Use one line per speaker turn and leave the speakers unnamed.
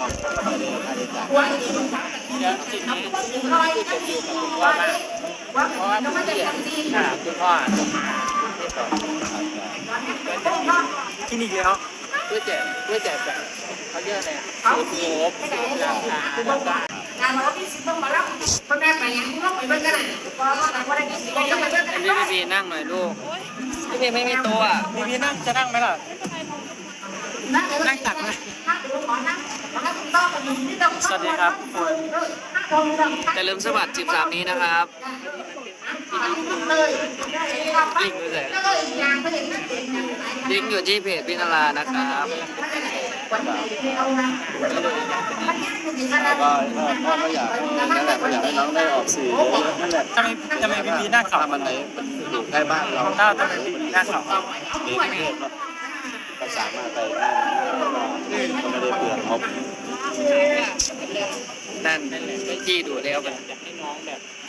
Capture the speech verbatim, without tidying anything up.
ต้องไม่ได้ค่าใช้จ่าย
เดี๋ยวสิ่งนี้ที่จะอยู่กับคุณพ่อมากเพราะว่าคุณพี่อ่ะค่ะคุณพ่อที่สอง
ที่นี่แล้ว
ด้วยแจกด้วยแจกแบบเขาเยอะเลยสูตรโหบสูตรราคาแล้วก็
การเราที่สิบต้องมาแล้วคนแม่ไปยังต้องไปเบิ่งกันเลยพอเราไม่ได้กินก็ไปเบิ่งกัน
พี่พี่นั่งหน่อยลูกพี่พี่ไม่มีตัวอ่ะ
พี่พี่นั่งจะนั่งไหมล่ะ
นั่งตักเลยนั่งดูหมอนั่งนั่งต้องไปอยู่ที่ต้อง
สวัสดีครับ
แต่ลืมสวัสดิ์สิบสามนี้นะครับ
เลย
ลิงก์ด้วย
แล้วก็อีกอย่างก็เห็นนั่นเอง
ลิงก์อยู่ที่เพจพินารานะครับ
วันไหนเอานะ
แล้วก็พ่อก็อยากนั่นแหละก็อยากให้น้องได้ออกสื่อเยอะๆนั่นแหละ
ทำไมทำไมพี่พี่หน้าขาว
ถ้ามันไหนมันอยู่ใกล้บ้านเรา
เต้าทำไมพี่พี่หน้าขาว
ในกรุงเทพเนาะก็สามารถไปได้ก็ไม่ได้เปลืองงบ
นั่นที่ดูแล้วแบบอยากให้น้องแบบ